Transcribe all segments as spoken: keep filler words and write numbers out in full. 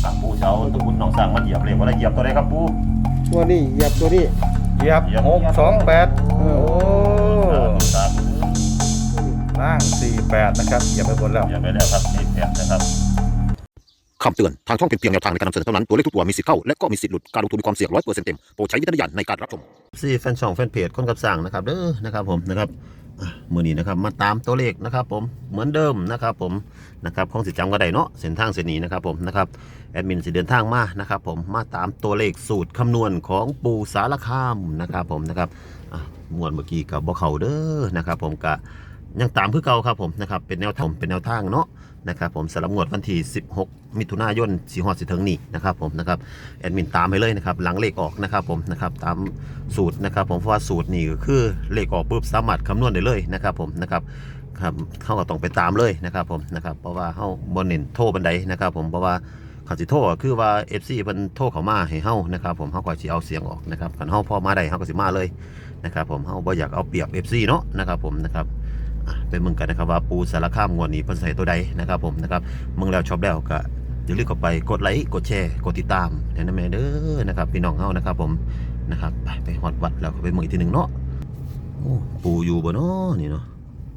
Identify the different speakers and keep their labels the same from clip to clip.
Speaker 1: กับปูเช้าตะกุนหนองสร้างมันเหยียบเลยว่าได้เหยียบตัวใดครับปู
Speaker 2: ตัวนี้เหยียบตัวนี้
Speaker 3: เหยียบหกสองแปดโอ้
Speaker 1: สาม
Speaker 3: ล่างสี่แปดนะครับเหยียบไปบนแล้ว
Speaker 1: เหยียบไปแล้วครับนี่แปดนะครับ
Speaker 4: คำเตือนทางช่องเป็นเพียงแนวทางในการนำเสนอเท่านั้นตัวเลขทุกตัวมีสิทธิ์เข้าและก็มีสิทธิ์หลุดการลงทุนมีความเสี่ยงร้อยเปอร์เซ็นต์เต็มโปรดใช้วิจารณญาณในการรับชม
Speaker 1: ซี่แฟนช่องแฟนเพจคนกับสั่งนะครับเด้อนะครับผมนะครับมือนี้นะครับมาตามตัวเลขนะครับผมเหมือนเดิมนะครับผมนะครับของสิจำก็ได้เนาะเส้นทางเส้นนี้นะครับผมนะครับแอดมินสิเดินทางมานะครับผมมาตามตัวเลขสูตรคำนวณของปูสารคามนะครับผมนะครับมวนเมื่อกี้กับบ่เขาเด้อนะครับผมกะยังตามเพื่อเก่าครับผมนะครับเป็นแนวทางเป็นแนวทางเนาะนะครับผมสำหรับงวดวันที่สิบหกมิถุนายนสีฮอดสิถึงนี่นะครับผมนะครับแอดมินตามไปเลยนะครับหลังเลขออกนะครับผมนะครับตามสูตรนะครับผมเพราะว่าสูตรนี่ก็คือเลขออกปุ๊บสามารถคำนวณได้เลยนะครับผมนะครับครับเขาก็ต้องไปตามเลยนะครับผมนะครับเพราะว่าเขาบนเน้นโทรบันไดนะครับผมเพราะว่าเขาสิโทรคือว่า เอฟ ซี เพิ่นโทรเข้ามาให้เฮานะครับผมเฮาก็สิเอาเสียงออกนะครับคันเฮาพอมาได้เฮาก็สิมาเลยนะครับผมเฮาบ่อยากเอาเปรียบ เอฟ ซี เนาะนะครับผมนะครับไปมึงกันนะครับว่าปูสารคามงวดนี้เพิ่นใส่ตัวใดนะครับผมนะครับมึงแล้วชอบแล้วก็อย่าลืมเข้าไปกดไลค์กดแชร์กดติดตามแนะนำแม่เด้อนะครับพี่น้องเฮานะครับผมนะครับไปไปฮอดวัดแล้วก็ไปมึงอีกทีนึงเนาะโอ้ปูอยู่บ่เนาะนี่เนาะ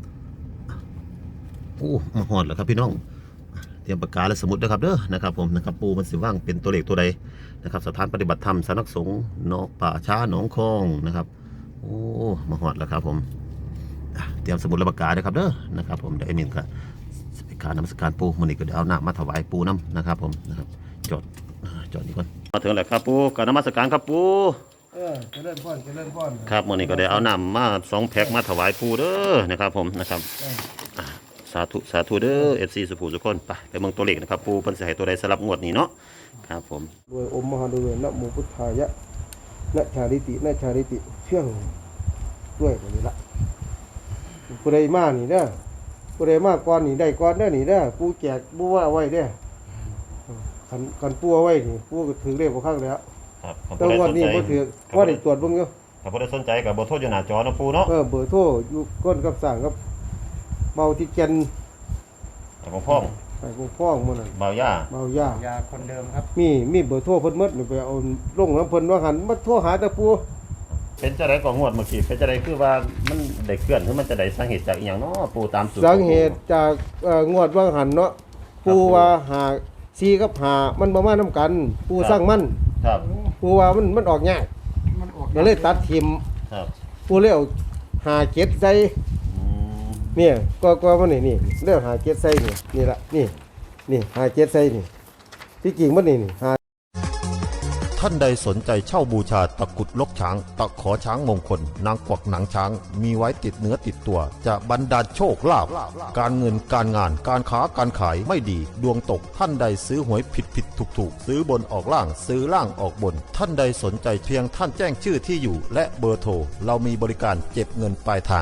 Speaker 1: โอ้มาฮอดแล้วครับพี่น้องเตรียมปากกาและสมุดนะครับเด้อนะครับผมนะครับปูมันสิว่างเป็นตัวเลขตัวใดนะครับสถานปฏิบัติธรรมสำนักสงฆ์เนาะป่าช้าหนองคองนะครับโอ้มาฮอดแล้วครับผมเตรียมสมุดและปากกาด้วยครับเด้อนะครับผมเดี๋ยวไอ้มินก็สปิการนมัสการปูมันนี่ก็เดี๋ยวเอาหน้ามาถวายปูน้ำนะครับผมนะครับจอดจอดนี่ก่อนมาถึงแล้วครับปูการนมัสการครับปู
Speaker 2: เออจะเล่นพ่อนจะเล่นพ่อน
Speaker 1: ครับมันนี่ก็ได้เอาน้ำมาสองแพ็คมาถวายปูเด้อนะครับผมนะครับสาธุสาธุเด้อเอฟซีสุภูสุคนไปไปเมืองตัวเลขนะครับปูเพิ่นสิให้ตัวใดสลับงวดนี้เนาะครับผม
Speaker 2: ด้วยอมมหาดุลนะโมพุทธายะนะชาลิตินะชาลิติเชื่องด้วยแบบนี้ละผู้ใดมานี่เด้อผู้ใดมาก่อนนี่ได้ก่อนเด้อนี่เด้อปูแจกปูว่าไว้เด้อขันขันปูเอาไว้นี่ปูก็ถือเลขบ่ข้างแล้ว
Speaker 1: ครับ
Speaker 2: แต่วันนี้บ่ถือว่าได้ตรวจเบิ่งอยู่
Speaker 1: ถ้าผู้ใดสนใจก็บ่โทรอยู่หน้าจอนะปูเนาะ
Speaker 2: เออเบอร์โทรอยู่ก้นกับสั่งกับเบาที่แก่น
Speaker 1: ของพ่อง
Speaker 2: ไปพวกพ้องมื้อนั้น
Speaker 1: บ่าวย่า
Speaker 2: เบาย่าย
Speaker 3: าคนเดิมครับ
Speaker 2: มีมีเบอร์โทรเพิ่นหมดนี่ไปเอาลงน้ำเพิ่นว่าหันมาโทรหาแต่ปู
Speaker 1: เป็นจะได้ก็งวดเมื่อกี้เป็นจะได้คือว่ามันได้เคลื่อนหรือมันจะได้สาเหตุจากอีหยังเนาะปูตามสูตร
Speaker 2: สาเหตุจากเอ่องวดว่างหันเนาะปูว่าหาซีกับหามันบ่มานํกัน ปูสร้างมัน
Speaker 1: ครับ
Speaker 2: ปูว่ามันมันออกยาก
Speaker 3: มันออก
Speaker 2: ก็เลยตัดทิม
Speaker 1: ครับ
Speaker 2: ปูเลยเอาหาเจ็ดใส่
Speaker 1: อืม
Speaker 2: เนี่ยก็ก็มันนี่นี่เรื่องหาเจ็ดใส่นี่นี่ละนี่นี่หาเจ็ดใส่นี่ที่จริงมันนี่นี่หา
Speaker 4: ท่านใดสนใจเช่าบูชาตะกุดลกช้างตะขอช้างมงคลนางกวักหนังช้างมีไว้ติดเนื้อติดตัวจะบรรดาลโชคลาภการเงินการงานการค้าการขายไม่ดีดวงตกท่านใดซื้อหวยผิดผิดถูกถูกซื้อบนออกล่างซื้อล่างออกบน ท่านใดสนใจเพียงท่านแจ้งชื่อที่อยู่และเบอร์โทรเรามีบริการเก็บเงินปลายทาง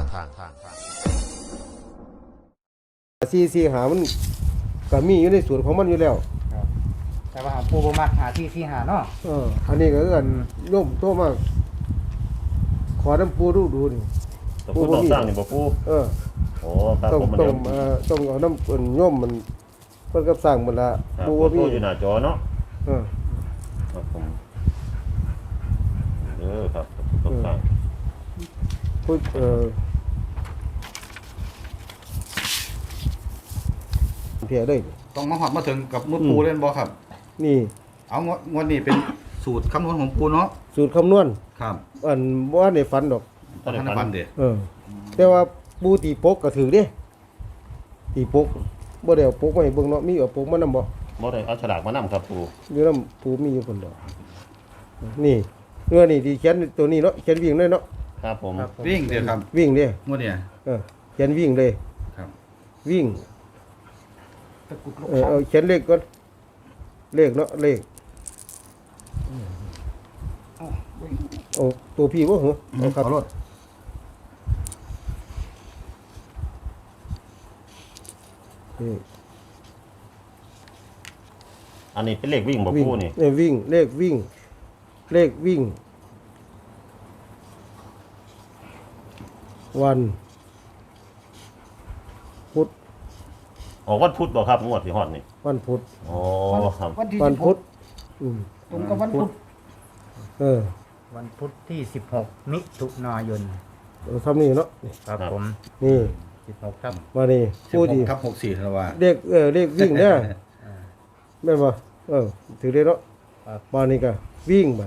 Speaker 2: ซีซีหามันก็มีอยู่ในส่วนของมันอยู่แล้ว
Speaker 3: แต่ว่าปูบมักหาที่ที่หาเนาะ
Speaker 2: เอออันนี้ก็เอิ้นโยมโตมากขอน้ำปูดูดูนี่
Speaker 1: แต่ปูต้องสร้างนี่บ่ปู
Speaker 2: เออ
Speaker 1: โอ้ครับ
Speaker 2: ต้อง
Speaker 1: ผมมัน
Speaker 2: ต้อ
Speaker 1: เดิ
Speaker 2: ง
Speaker 1: ม
Speaker 2: เอ่อต้องเอาน้ำเอิ้นโยมมันเพิ่นกับสร้างมันละ
Speaker 1: ครับ
Speaker 2: ปู
Speaker 1: ปู
Speaker 2: ว่า
Speaker 1: โท
Speaker 2: มี
Speaker 1: รอยู่หน้าจอเนาะ
Speaker 2: เออ
Speaker 1: ครับผมเออครับต้องสร้าง
Speaker 2: พูดเออเพียเลย
Speaker 3: ต้องมาหอดมาถึงกับมือปูเล่นบอครับ
Speaker 2: นี่
Speaker 3: เอางวดงวดนี้เป็นสูตรคำนวณของปูเนาะ
Speaker 2: สูตรคำนวณ
Speaker 3: ครับ
Speaker 2: อันบ่ทันได้ฝันดอก
Speaker 1: ตอน
Speaker 3: ท่าน
Speaker 1: นี้
Speaker 3: ฟันเด็ด
Speaker 2: เออ แต่ว่าปูตีปกก็ถือเด้ตีปกบ่ได้เอาปกมาให้เบิ่งเนาะมีเอาปกมานำบ่
Speaker 1: บ่ได้เอาฉลากมานำครับปู
Speaker 2: อยู่นำปูมีอยู่คนเดียวนี่เงื่อนี่ที่เขียนตัวนี้เนาะเขียนวิ่งเลยเนาะ
Speaker 1: ครับผม
Speaker 3: วิ่งเดียวครับ
Speaker 2: วิ่งเด้
Speaker 3: งวดเนี่ย
Speaker 2: เออเขียนวิ่งเลย
Speaker 3: ครับ
Speaker 2: วิ่ง
Speaker 3: ตะกุดลก
Speaker 2: เออเอาเขียนเลขก่อนเลขเนาะเลขโอ้ตัวพี่บ่เหรอเอาครับ
Speaker 3: ขอรถ
Speaker 2: นี่
Speaker 1: อันนี้เป็นเลขวิ่งบ่
Speaker 2: วิ่ง
Speaker 1: ปูนี่
Speaker 2: เออวิ่งเลขวิ่ง เลขวิ่ง วันพุธ
Speaker 1: ออกวันพุธบ่ครับงวดที่ฮอดนี่
Speaker 2: วันพุธ
Speaker 1: โอ้ครับ
Speaker 5: วันที่
Speaker 2: วัน
Speaker 5: สิบห
Speaker 2: พุ
Speaker 5: ก
Speaker 2: ธอืม
Speaker 5: ตรงกับวันพุธ
Speaker 2: เออ
Speaker 5: วันพุธที่สิบหกมิถุนายน
Speaker 2: เอาทำนี่เนาะนี่
Speaker 5: ครับผม
Speaker 2: นี่
Speaker 5: สิบหกครับ
Speaker 2: มานี่
Speaker 3: สิบ
Speaker 2: ผู้
Speaker 3: ห
Speaker 2: ดี
Speaker 3: กครับหกสี่ธันวา
Speaker 2: เด็กเออเด็กวิ่งเด้อแม่นบ่เออถือได้เนาะ
Speaker 5: ครับ
Speaker 2: มานี่ก็วิ่งมัน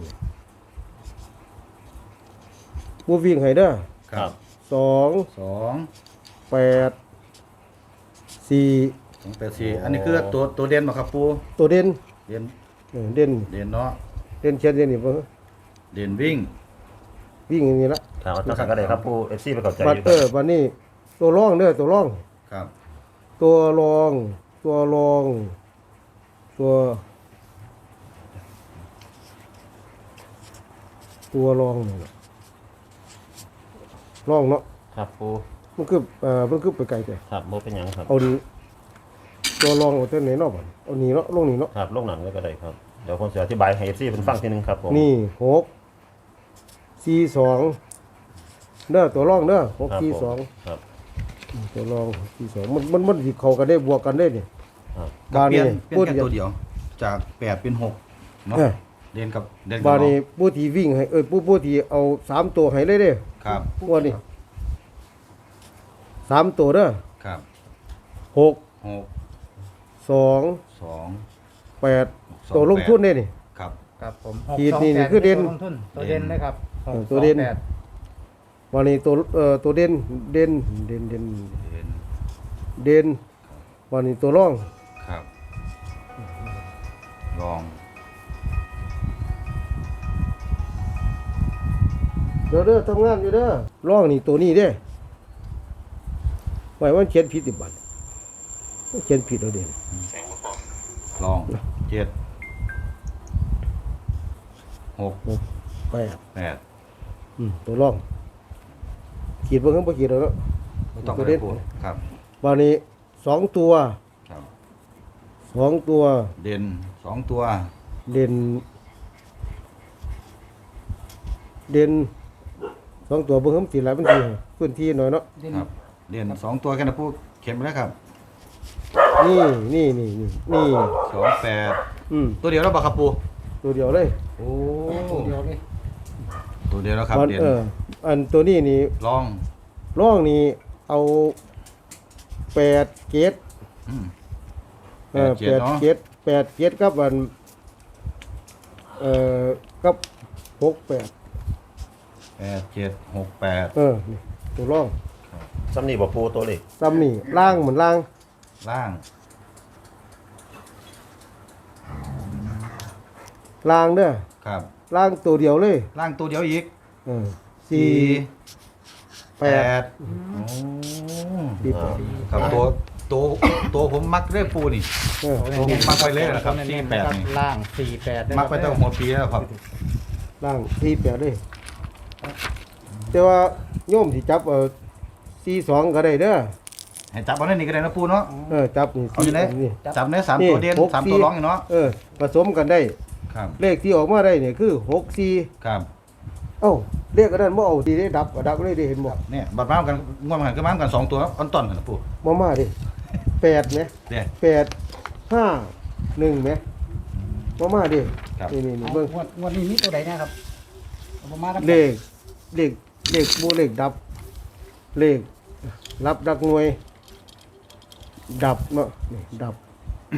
Speaker 2: ผู้วิ่งให้เด้อ
Speaker 3: ครับ
Speaker 2: สอง
Speaker 3: สอง
Speaker 2: แปดสี่
Speaker 3: สองแปดสี่อันนี้คือตัวตัวเด่นมาครับปู
Speaker 2: ตัวเด่น
Speaker 3: เด่น
Speaker 2: เออเด่น
Speaker 3: เด่นเนาะ
Speaker 2: เด่นเชียนเด่นนี่บ่
Speaker 3: เด่นวิ่ง
Speaker 2: วิ่งอย่างนี้ละ
Speaker 1: ครับเอาจังก็ได้ครับผู้เอฟซีไปเข้าใจอ
Speaker 2: บัด
Speaker 1: ยู่
Speaker 2: เออบัดนี้ตัวรองเด้อตัวรอง
Speaker 3: ครับ
Speaker 2: ตัวรอง ตัวรอง ตัว ตัวรองนี่ล่ะรองเนาะ
Speaker 1: ครับผู้
Speaker 2: มันคือเอ่อมันคือไปไกลแต่
Speaker 1: ครับโมเป็นหยังครับ
Speaker 2: เอานี้ตัวรองเอาตัวไหนเนาะบัดเอานี้เนาะลงนี้เนาะ
Speaker 1: ครับลงหนังก็ได้ครับเดี๋ยวผมจะอธิบายให้เอฟซีเป็นฟังทีหนึงครับผม
Speaker 2: นี่หกสี่สองเด้อตัวรองเด้อหก
Speaker 1: ครับ
Speaker 2: สี่
Speaker 1: ผม
Speaker 2: สอง
Speaker 1: ครับ
Speaker 2: ตัวรองหกสี่สองมันมันมันสิเข้ากันได้บวกกันได้นี่
Speaker 1: ครับ
Speaker 2: บา
Speaker 3: เปลี่ยน
Speaker 2: นี้
Speaker 3: เปลี่ยนแค่ตัวเดียว จากแปดเป็นหกเนาะ
Speaker 2: เออ
Speaker 3: เด่นกับเด่นกั
Speaker 2: บา
Speaker 3: บ
Speaker 2: นี้
Speaker 3: เนาะ
Speaker 2: ผู้ที่วิ่งให้เอ้ยผู้ผู้ที่เอาสามตัวให้เลยเด้อ
Speaker 3: ครับ
Speaker 2: งวดนี้สามตัวเด้อ
Speaker 3: ครับ
Speaker 2: หก
Speaker 3: หก
Speaker 2: สอง
Speaker 3: สอง
Speaker 2: แปด
Speaker 3: สอง
Speaker 2: ตัวลงทุนได้นี่
Speaker 3: ครับ
Speaker 5: ครับผม
Speaker 2: ขีดนี่นี่คือเด่น
Speaker 5: ตัวลงทุนตัวเด่นนะครับ
Speaker 2: เออตัวเด่น
Speaker 5: หกสองแป
Speaker 2: วันนี้ตัวเอ่อตัวเด่นเด่นเด่นเด่น
Speaker 3: เด่น
Speaker 2: เด่นวันนี้ตัวรอง
Speaker 3: ครับลอง
Speaker 2: เด้อเด้อทำงานอยู่เด้อรองนี่ตัวนี้เด้ไว้ว่าเขียนผิดติบัตรเขียนผิดแล้วเด่น
Speaker 3: ลองเจ็ดหก
Speaker 2: แปด
Speaker 3: แปด
Speaker 2: อืมตัวรองขีดบ่เพิ่งบ่ขีดแล้วเนาะ
Speaker 3: ไม่ต้อง
Speaker 2: ตัว
Speaker 3: ไป
Speaker 2: เด่น
Speaker 3: พูดครับ
Speaker 2: วันนี้สองตัว
Speaker 3: ครับ
Speaker 2: สองตัว
Speaker 3: เด่นสองตัว
Speaker 2: เด่นเด่นสองตัวเบิ่งเพิ่มสิหลายพื้นที่พื้นที่หน่อยเนาะ
Speaker 5: เด่น
Speaker 3: ครับเด่นสองตัวแค่นั้นพูดเข็มไปแล้วครับ
Speaker 2: นี่นี่นี่นี่นี่
Speaker 3: สองแปด
Speaker 2: อืม
Speaker 3: ตัวเดียวแล้วปะครับปู
Speaker 2: ตัวเดียวเลย
Speaker 3: โอ้
Speaker 5: ตัวเดียวเลย
Speaker 3: ตัวเดียวแล้วครับ
Speaker 2: วัน
Speaker 3: เด่น
Speaker 2: เอออันตัวนี้นี่
Speaker 3: ลอง
Speaker 2: ร่องนี่เอาแปดเกต
Speaker 3: อืม
Speaker 2: เออ
Speaker 3: แป
Speaker 2: แป
Speaker 3: ด
Speaker 2: ด
Speaker 3: เนาะ
Speaker 2: เกตแปดเกตกับอันเอ่อกับหกแปด
Speaker 3: แปดเจ็ดหกแปด
Speaker 2: เออนี่ตัวร่อง
Speaker 1: ซ้ำนี่บอกผู้ตัวเล็ก
Speaker 2: ซ้ำนี่ล่างเหมือนล่าง
Speaker 3: ล่าง
Speaker 2: ล่างเด้อ
Speaker 3: ครับ
Speaker 2: ล่างตัวเดียวเลย
Speaker 3: ล่างตัวเดียวอีก
Speaker 2: เออสี่แปด
Speaker 3: โอ้
Speaker 2: สี่แปด
Speaker 3: ครับตัวตัวตัวผมมักเรื่อยปูนี่
Speaker 2: เออ
Speaker 3: ตัวผมมักไปเลยนะครับ
Speaker 5: ตัว
Speaker 3: สี่
Speaker 5: เน้นๆ
Speaker 3: แปด
Speaker 5: นะครับ
Speaker 3: นี่
Speaker 5: ล่างสี่แปด
Speaker 3: มักไปตั้งหัวปีแล้วครับ
Speaker 2: ล่างสี่แปดเลยแต่ว่าโยมที่จับเออสี่สองก็ได้เด้อ
Speaker 3: ให้จับเอาในนี่ก็ได้นะปูเนาะ
Speaker 2: เออจับนี่
Speaker 3: เอาอยู่ไหน
Speaker 2: นี่
Speaker 3: จับในสาม
Speaker 2: นี่
Speaker 3: ตัวเด่น
Speaker 2: หก
Speaker 3: สาม
Speaker 2: สี่
Speaker 3: ตัวร้องอยู่เนาะ
Speaker 2: เออผสมกันได้
Speaker 3: ครับ
Speaker 2: เลขที่ออกมาได้เนี่ยคือหกสี่
Speaker 3: ครับ
Speaker 2: เอ้าเลขอันนั้นบ่เอาดีได้ดับก็ดับเลยได้เห็นบ่
Speaker 3: เนี่ยบัดม้ามกันง่วงกันก็ม้ามกันสองตัวอันต้นกันนะปู
Speaker 2: มามาดิแปดไหม
Speaker 3: เดี๋ยว
Speaker 2: แปดห้าหนึ่งไหมมามาดิ
Speaker 3: ครับ
Speaker 2: นี่นี่นี่
Speaker 5: เอา
Speaker 2: เบิ่ง
Speaker 5: งวดงวดนี้มีตัวใดนะครับเอาประมาณนั้น
Speaker 2: เลขเลขเลขบูเลขดับ เลขรับดักหน่วย ดับเนาะนี่ดับ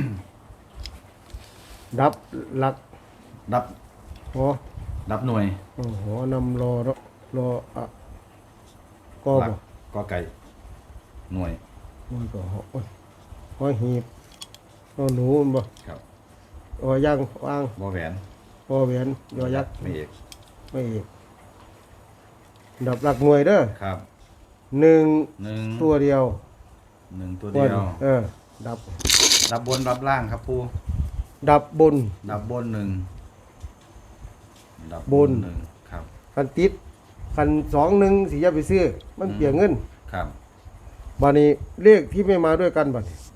Speaker 2: ดับหลัก
Speaker 3: ดับ
Speaker 2: หอ
Speaker 3: ดับหน่วย
Speaker 2: อ๋อหอนำรอเนาะรออะก็
Speaker 3: หลั
Speaker 2: บ่
Speaker 3: กกอไก่หน่วย
Speaker 2: มันก็หอโอ้ยหอหีบหอหนูมันบ่
Speaker 3: ครับ
Speaker 2: หอย่างวาง
Speaker 3: บอแหวน
Speaker 2: หอแหวนยอยักษ์
Speaker 3: ไม่เอก
Speaker 2: ไม่อีกดับหลักหน่วยเด้อ
Speaker 3: ครับ
Speaker 2: หนึ่ง
Speaker 3: หนึ่ง
Speaker 2: ตัวเดียว
Speaker 3: หนึ่งตัวเดียว
Speaker 2: เออ ดับ
Speaker 3: ดับบนดับล่างครับปู
Speaker 2: ดับบน
Speaker 3: ดับบนหนึ่งดับบ
Speaker 2: น
Speaker 3: หนึ่งครับ
Speaker 2: คันติดคันสองหนึ่งสิอย่าไปซื้อ มันเปลี่ยนเงิน
Speaker 3: ครับ
Speaker 2: บานี้เลขที่ไม่มาด้วยกันบัดนี้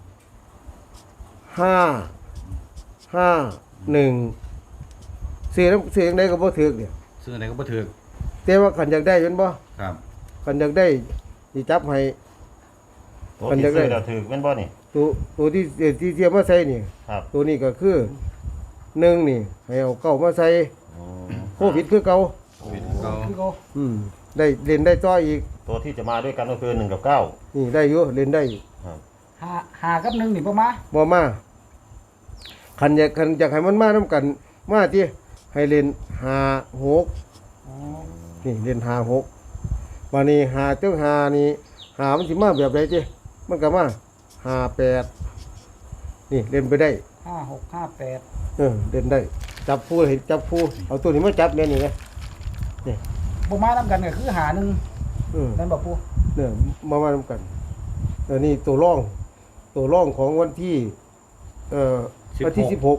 Speaker 2: ห้าห้าหนึ่งเสียน้ำเสียงใดก็บ่ถือเนี่ย
Speaker 3: ซึ่งอะไรก็บ่ถือ
Speaker 2: แต่ว่าขันอยากได้เป็นบ่
Speaker 3: ครับ
Speaker 2: ขันอยากได้สิจับให้
Speaker 1: ตัว
Speaker 2: มัน
Speaker 1: ที่
Speaker 2: จะได้
Speaker 1: ซื้อเราถือเป็นบ่นี่
Speaker 2: ตัวตัวที่เอ่อที่เทียมมาใส่นี่
Speaker 1: ครับ
Speaker 2: ตัวนี้ก็คือหนึ่งนี่ให้เอาเก้ามาใส่
Speaker 1: อ๋อ
Speaker 2: โควิดคือเก่า
Speaker 3: เก้า
Speaker 5: คือเขา
Speaker 2: อืมได้เล่นได้ต่ออีก
Speaker 1: ตัวที่จะมาด้วยกันก็คือหนึ่งกับเก้า
Speaker 2: นี่ได้อยู่เล่นได้
Speaker 1: ครับ
Speaker 5: หาหากับหนึ่งนี่ประมา
Speaker 2: บ่มาคันอยากคันอยากให้มันมานํกัน มาที่ให้เล่นห้าหก
Speaker 5: อ๋อ
Speaker 2: นี่เล่นห้าหกวันนี้หาเจ้าหานี่หามันสิมาแบบใดจิมันก็มาห้าแปดนี่เล่นไปได้
Speaker 5: ห้าหกห้าแปด
Speaker 2: เออเล่นได้ จับผู้เห็นจับผู้เอาตัวนี้มาจับแม่นี่ไง
Speaker 5: ประมาณน้ำกันก็คือหาหนึ่ง
Speaker 2: เออ
Speaker 5: นั่นบอกปู
Speaker 2: เนี่ยมามาทำกันเออนี่ตัวร่อง ตัวร่องของวันที่เอ่อวันที่สิบหก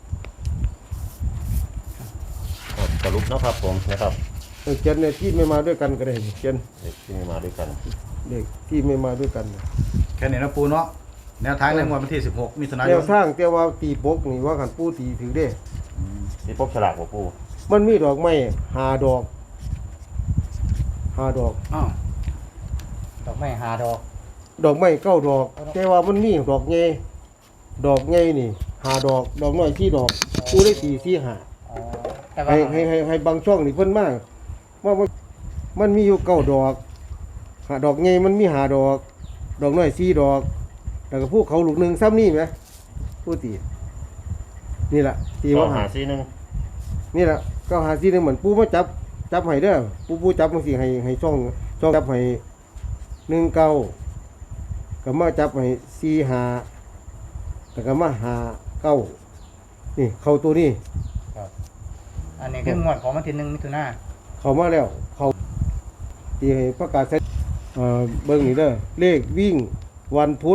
Speaker 1: ครับสรุปนะครับผมนะครับ
Speaker 2: เออเจนเนี่ยที่ไม่มาด้วยกันก็ได้เจน
Speaker 1: เด็กที่มาด้วยกัน
Speaker 2: เด็กที่ไม่มาด้วยกัน
Speaker 3: แค่นี้นะปูเนาะแนวทางในงวดวันที่สิบหกมิถุนาย
Speaker 2: แนวน ทางแต่ว่าตีปกนี่ว่ากันปูตีถือได้
Speaker 1: ที่พบฉลากบ่ปู
Speaker 2: มันมีดอกไม้หาดอกหาดอก
Speaker 5: อ้าวดอกไม้หาดอก
Speaker 2: ดอกไม้เก้าดอก แต่ว่ามันมีดอกไงดอกไงนี่หาดอก ดอกน้อยที่ดอกปูได้ตีสี่หา
Speaker 5: อ๋อแต่ว่า
Speaker 2: ให้ให้ให้ให้บางช่องนี่เพิ่นมากว่ามันมันมีอยู่เก้าดอกหาดอกไงมันมีหาดอก ดอกน้อยสี่ดอกแล้วก็พวกเขาลูกหนึ่งซ้ำนี่ไหมผู้ตีนี่แหละตี
Speaker 1: ก็
Speaker 2: ว่า
Speaker 1: หา
Speaker 2: หา
Speaker 1: ซีหนึ่ง
Speaker 2: นี่แหละก็หาสี่หนึ่งเหมือนปูมาจับจับให้เด้อปูปูจับมันสิให้ให้ช่องช่องจับให้หนึ่งเก้าก็มาจับให้สี่หาแล้วก็มาหาเก้านี่เข้าตัวนี้
Speaker 5: อันนี้คืองวดของวันที่หนึ่งมิถุนา
Speaker 2: เข้ามาแล้วเขาตีให้ประกาศใช้เอ่อเบิ่งนี่เด้อเลขวิ่งวันพุธ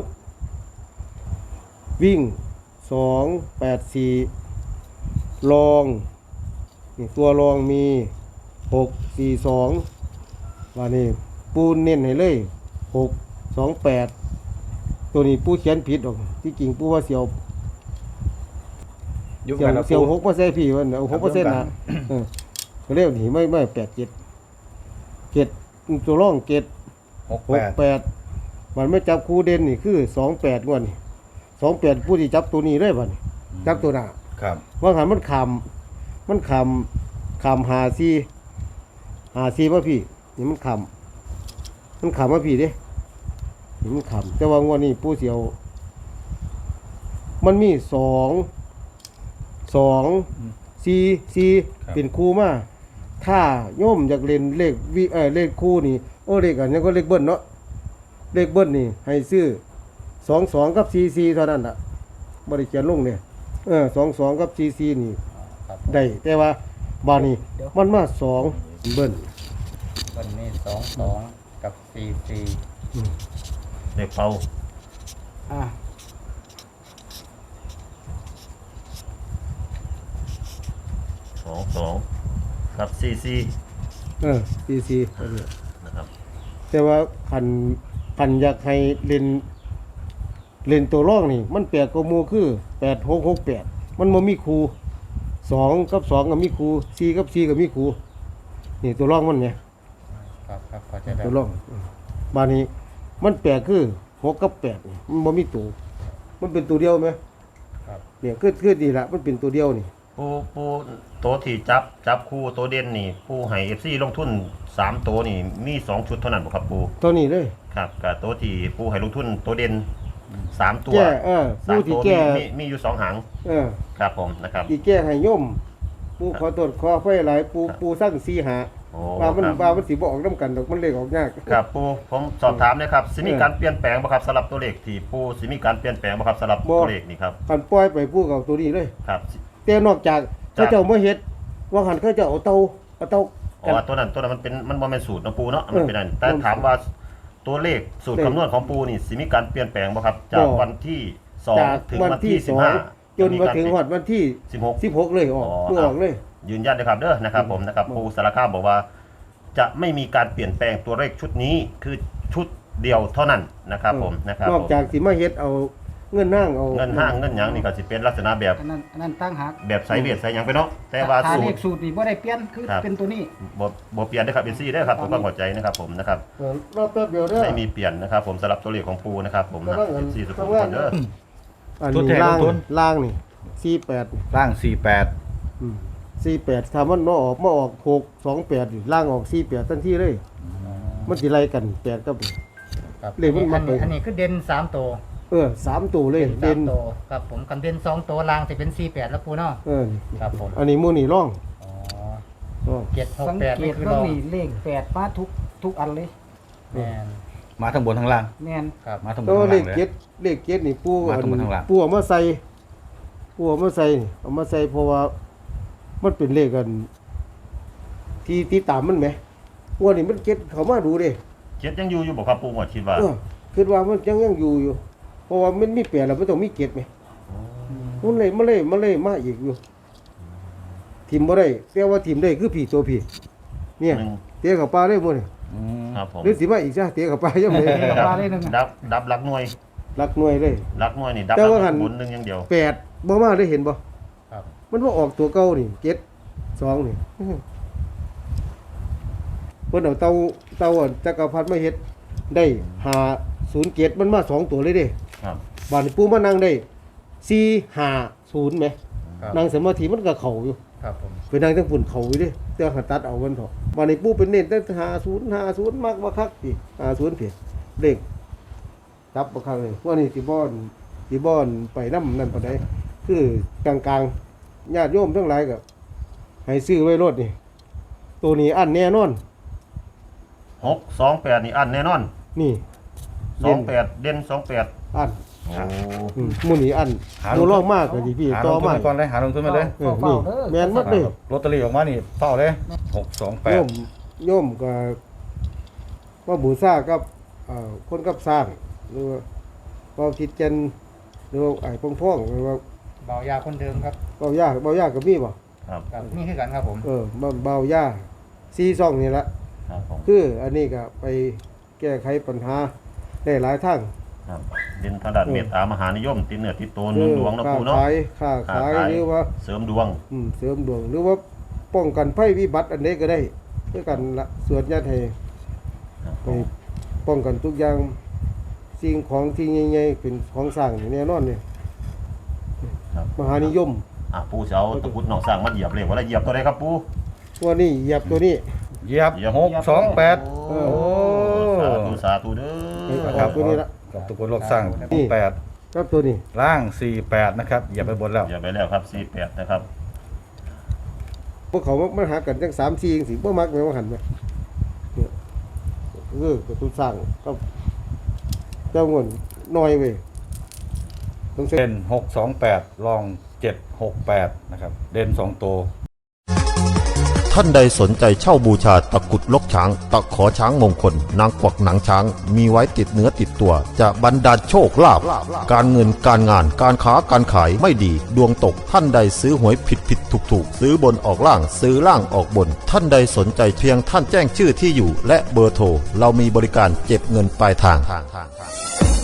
Speaker 2: วิ่งสองแปดสี่รองนี่ตัวรองมีหกสี่สองว่านี่ปูเน้นให้เลยหกสองแปดตัวนี้ปูเขียนผิดออกที่จริงปูว่าเสียว
Speaker 3: ยุค
Speaker 2: เสีย
Speaker 3: กั
Speaker 2: วน
Speaker 3: นะ
Speaker 2: เสียวห
Speaker 3: ปู
Speaker 2: กมาใส่พี่วันเอาหกเปอร์เซ็นต์นะเออเขาเรียกหนีไม่ไม่แปดเจ็ดเจ็ดตัวร่องเจ็ด
Speaker 3: หก
Speaker 2: ห
Speaker 3: แป
Speaker 2: ก
Speaker 3: ด
Speaker 2: แปดมันไม่จับคู่เด่นนี่คือสองแปดงวดนี่สองแปดผู้ที่จับตัวนี้ได้บ่นี่จับตัวหน้า
Speaker 3: ครับ
Speaker 2: ว่าหันมันคำมันคำคำหาซีหาซีมาพี่นี่มันคำมันคำมาพี่เด้นี่มันคำแต่ว่างวดนี้ผู้เสียว มันมีสองสองสี่สี่เป็นคู่มาถ้าโยมอยากเล่นเลขวิเออเลขคู่นี่โอ้เลขอันนี้ก็เลขเบิ้ลเนาะเลขเบิ้ลนี่ให้ซื้อสองสองกับสี่สี่เท่านั้นอ่ะบริเขียนลงเนี่ยเออสองสองกับสี่สี่นี่
Speaker 5: ครับ
Speaker 2: ได้แต่ว่าบานี้มันมาสองเบิ้ล
Speaker 5: วันนี้สองสองกับสี่สี่
Speaker 1: เด็กเป่า
Speaker 5: อ่ะ
Speaker 1: สองสองกับซีซี
Speaker 2: เออสี่สี่อันนี้
Speaker 1: นะครับ
Speaker 2: แต่ว่าขันขันอยากให้เล่นเล่นตัวร่องนี่ มันแปลกกว่าหมูคือแปดหกหกแปดมันบ่มีครูสองกับสองก็มีครูสี่กับสี่ก็มีครูนี่ตัวร่องมันเนี่ย
Speaker 5: ครับครับเข้าใจแล้
Speaker 2: ตัว
Speaker 5: ว
Speaker 2: ร่องบานนี้ มันแปลกคือหกกับแปดนี่มันบ่มีตัวมันเป็นตัวเดียวไหม
Speaker 5: ครับ
Speaker 2: เนี่ยคือคือดีละมันเป็นตัวเดียวนี่
Speaker 1: ปูปูตัวที่จับจับคู่ตัวเด่นนี่ปูให้เอฟซีลงทุนสามตัวนี่มีสองชุดเท่านั้นบ่ครับปู
Speaker 2: ตัวนี้เลย
Speaker 1: ครับกับตัวที่ปูให้ลงทุนตัวเด่นสามตัว
Speaker 2: แก้เออ
Speaker 1: สาม
Speaker 2: ผู้ที่
Speaker 1: ตัว
Speaker 2: แก้
Speaker 1: มีมีมีอยู่สองหาง
Speaker 2: เออ
Speaker 1: ครับผมนะครับ
Speaker 2: ที่แก้ให้โยมปูขอโทษขอไฟหลายปูปูสร้างสีหา
Speaker 1: โอ้
Speaker 2: ว่ามัน
Speaker 1: ครับ
Speaker 2: ว่ามันสิบ่ออกน้ำกันดอกมันเลขออกยาก
Speaker 1: ครับปูผมสอบถามนะครับสิมี
Speaker 2: เออ
Speaker 1: การเปลี่ยนแปลงบ่ครับสำหรับตัวเลขที่ปูสิมีการเปลี่ยนแปลงบ่ครับสำหรับ
Speaker 2: บ่
Speaker 1: ตัวเลขนี่ครับ
Speaker 2: คันปล่อยไปปูกับตัวนี้เลย
Speaker 1: ครับ
Speaker 2: แต่นอกจาก
Speaker 1: จ้ะ
Speaker 2: เขาเจ้ามาเฮ็ดว่าหันเขาเจ้าเอาเตาเอาเตา
Speaker 1: อ๋อตัวนั้นตัวนั้นมันเป็นมันบ่แม่นสูตรของปูเนาะมันเป็นอัน
Speaker 2: เออ
Speaker 1: แต่ถามว่าตัวเลขสูตร
Speaker 2: เลข
Speaker 1: คำนวณของปูนี่สิมีการเปลี่ยนแปลงบ่ครับ จาก
Speaker 2: บ่
Speaker 1: วันที่สอง
Speaker 2: จาก
Speaker 1: ถึง
Speaker 2: วัน
Speaker 1: วัน
Speaker 2: ที่
Speaker 1: ที่
Speaker 2: ส
Speaker 1: สิ
Speaker 2: อบ ง
Speaker 1: ห้า
Speaker 2: จนมาถึงฮอดวันที่
Speaker 1: สิบหก
Speaker 2: สิบหกเลยออก
Speaker 1: อ๋อ
Speaker 2: เพื่อออกเลย
Speaker 1: ยืนยันนะครับเด้อนะครับผมนะครับ
Speaker 2: อืม
Speaker 1: ปูสารคามบอกว่า จะไม่มีการเปลี่ยนแปลงตัวเลขชุดนี้คือชุดเดียวเท่านั้นนะครับผมนะครับ
Speaker 2: นอก
Speaker 1: ผม
Speaker 2: จากสิมาเฮ็ดเอาเงินห้างเอา
Speaker 1: เงินห้างเงินหยังนี่ก็สิเป็นลักษณะแบบ
Speaker 6: อันนั้นอันนั้นตั้งหัก
Speaker 1: แบบไสเวียดไสหยังไปเนาะแต่ว่า
Speaker 6: ถ้า
Speaker 1: สู
Speaker 6: เล
Speaker 1: ต
Speaker 6: ข
Speaker 1: ร
Speaker 6: สูตรนี่บ่ได้เปลี่ยนคือ
Speaker 1: ครับ
Speaker 6: เป็นตัวนี้
Speaker 1: บ่บ่เปลี่ยนเด้อครับเป็นซี่เด้อครับผมก็เข้าใจนะครับผมนะครับ
Speaker 2: เออรอบแป๊บเดียวเด้อ
Speaker 1: ไม่มีเปลี่ยนนะครับผมสำหรับตัวเลขของปูนะครับผมนะ
Speaker 2: กำลังเงิน
Speaker 1: ซี่สุด
Speaker 2: กำลัง
Speaker 1: คนเด้อ
Speaker 2: อัน
Speaker 3: ตัว
Speaker 2: นี้
Speaker 3: แทน
Speaker 2: ล่าง
Speaker 3: ลงทุน
Speaker 2: ล่างนี่สี่แปด
Speaker 3: ล่างสี่แปด
Speaker 2: อืมสี่แปดถ้ามันมาออกมาออกหกสองแปดนี่ล่างออกสี่แปดทันทีเลย มันสิไล่กันแปดกับ
Speaker 5: ครับ
Speaker 2: เลขมัน
Speaker 5: อั
Speaker 2: มาน ไป
Speaker 5: นี้อันนี้คือเด่นสามตัว
Speaker 2: เออสามตัวเลย
Speaker 5: สา
Speaker 2: เด่
Speaker 5: ม
Speaker 2: น
Speaker 5: ตัวครับผมกันเด่นสองตัวล่างจะเป็นสี่แปดแล้วปูเนาะ
Speaker 2: เออนี่
Speaker 5: ครับผม
Speaker 2: อันนี้หมูนี่ร่อง
Speaker 5: อ๋อ
Speaker 2: ร่อง
Speaker 5: เจ็ดหก
Speaker 6: สัง
Speaker 5: แปด
Speaker 6: เก
Speaker 5: นี่
Speaker 6: ต
Speaker 5: คือ
Speaker 6: เบิ่
Speaker 5: รง อง
Speaker 6: นี่เลขแปดมาทุกทุกอันเลย
Speaker 5: แม่น
Speaker 3: มาทั้งบนทั้งล่าง
Speaker 6: แม่น
Speaker 5: ครับ
Speaker 3: มาทั้งบน
Speaker 2: แต่
Speaker 3: ทั้ง
Speaker 2: ว่า
Speaker 3: ล่าง
Speaker 2: เล
Speaker 3: เลย
Speaker 2: ขเจ็ดเลขเจ็ดนี่ปู
Speaker 3: มา
Speaker 2: อัน
Speaker 3: ทั้งบนทั้งล่าง
Speaker 2: ปูเอามาใส่ปูเอามาใส่นี่เอามาใส่เพราะว่ามันเป็นเลขกัน ที่ที่ตามมันไหมงวดนี้มันเจ็ดเขามาดูเด้
Speaker 1: เจ็ดยังอยู่อยู่บ่ครับปูหมดคิดว่า
Speaker 2: เออคิดว่ามันยังยังอยู่อยู่ เพราะว่ามันมีแปดแล้วมันต้องมีเจ็ดไหมมันเลยมันเลยมันเลยมาอีกอยู่ทีมบ่ได้แต่ว่าทีมได้คือผีตัวผีเนี่ย
Speaker 1: หนึ่ง
Speaker 2: เตะกับปลาได้หมดเลย
Speaker 3: อืม
Speaker 1: ครับผม
Speaker 2: หรือสิมาอีกซะเตะกับปลายังไง
Speaker 6: กับปลาได้หนึ่งอะ
Speaker 1: ดับดับรักหน่วย
Speaker 2: รักหน่วยเลย
Speaker 1: รักหน่วยนี่ดับ
Speaker 2: แต่ว่าหัน
Speaker 1: บุญหนึงอย่างเดียว
Speaker 2: แปดบ่มาได้เห็นบ่
Speaker 5: ครับ
Speaker 2: มันว่าออกตัวเก่านี่เจ็ดสองนี่เพิ่นเอาเตาเตาอันจักรพรรดิมาเฮ็ดได้ห้าศูนย์เจ็ดมันมาสองตัวเลยเด้
Speaker 1: ครับ
Speaker 2: บานนี้ปู่มานั่งได้สี่ห้าศูนย์ไหม
Speaker 5: ครับ
Speaker 2: นั่งสมาธิมันก็เข้าอยู่
Speaker 5: ครับผม
Speaker 2: ไปนั่งทั้งฝุ่นเข้าอยู่เด้แต่ว่าหันตัดเอามันเถอะบานนี้ปู่เป็นเน้นแต่ห้าศูนย์ห้าศูนย์มากบ่คักติห้าศูนย์เพียเลขจับบ่คักเลยว่านี่สิบ่อนสิบ่อนไปนำนั่นปานใดคือกลางๆญาติโยมทั้งหลายก็ให้ซื้อไว้รถนี่ตัวนี้อันแน่นอน
Speaker 1: หกสองแปดนี่อันแน่นอน
Speaker 2: นี่
Speaker 1: สองแปดเด่นสองแปด
Speaker 2: อัน
Speaker 1: โอ้
Speaker 2: อืมหมู่นี้อัน
Speaker 3: หา
Speaker 2: หมู่รองมากก็สิพี่
Speaker 3: หาล
Speaker 2: ต่อง
Speaker 3: ทุน
Speaker 2: มา
Speaker 3: ไปก่อนเลยหาลงทุนมาเลย
Speaker 2: เออนี่แม่นหมดเลย
Speaker 3: ลอตเตอรี่ออกมานี่เฝ้าเลยหกสองแป
Speaker 2: โย
Speaker 3: ด
Speaker 2: มโยมก็ว่าบูชากับเอ่อคนกับสร้าง หรือว่าเบาคิดจันทร์หรือว่าไอ้พงพ่องหรือว่า
Speaker 5: เบายาคนเดิมครับ
Speaker 2: เบายาเบายากับมีบ่
Speaker 1: ครับ
Speaker 5: ครับนี่คือกันครับผม
Speaker 2: เออเบาเบายาซีซ่องนี่ละ
Speaker 1: ครับผม
Speaker 2: คืออันนี้ก็ไปแก้ไขปัญหาได้หลายทาง
Speaker 1: ครับเด่นทางด้านเมตตามหานิยมติดเนื้อติดตัว
Speaker 2: คื
Speaker 1: เนื้อดวงนะ
Speaker 2: ค้า
Speaker 1: ปูเนาะ
Speaker 2: ขายค้าขายหรือว่า
Speaker 1: เสริมดวง
Speaker 2: อืมเสริมดวงหรือว่าป้องกันภัยวิบัติอันใดก็ได้ด้วยกันละสวดญาติให้
Speaker 1: ครับผ
Speaker 2: ให้
Speaker 1: ม
Speaker 2: ป้องกันทุกอย่างสิ่งของที่ใหญ่ๆเป็นของสร้างนี่แน่นอนเนี่ย
Speaker 1: ครับ
Speaker 2: มหานิยม
Speaker 1: อ่ะปูเสาตะกรุดหนองสร้างมาเหยียบเลยว่าอะไรเหยียบตัวใดครับปู
Speaker 2: ตัวนี้เหยียบตัวนี้
Speaker 3: เหยียบหกสองแปด
Speaker 2: เอ
Speaker 3: โอ้
Speaker 1: สาธุสาธุเด้
Speaker 2: ให้
Speaker 1: อ
Speaker 2: อ
Speaker 3: ครั
Speaker 2: อบ กตัวนี้ละ
Speaker 3: กับตุกคนโลกสร้างแปด
Speaker 2: ครับตัวนี้
Speaker 3: ล่างสี่แปดนะครับเหยียบไปบนแล้ว
Speaker 1: เหยียบไปแล้วครับสี่แปดนะครับ
Speaker 2: พวกเขามาหากันจังสามสี่จังสี่บ่มักแม่ว่าหันไหมเนี่ยเออกระตุ้นสร้างก็เจ้าเงินน้อยเว้ยต้องใช้
Speaker 3: เด่นหกสองแปดลองเจ็ดหกแปดนะครับเด่นสองตัว
Speaker 4: ท่านใดสนใจเช่าบูชาตะกรุดลกช้าง ตะขอช้างมงคล นางกวักหนังช้าง มีไว้ติดเนื้อติดตัว จะบรรดาลโชคลาภการเงินการงานการค้าการขายไม่ดี ดวงตกท่านใดซื้อหวยผิดผิดถูกถูกซื้อบนออกล่างซื้อล่างออกบน ท่านใดสนใจเพียงท่านแจ้งชื่อที่อยู่ และเบอร์โทรเรามีบริการเก็บเงินปลายทาง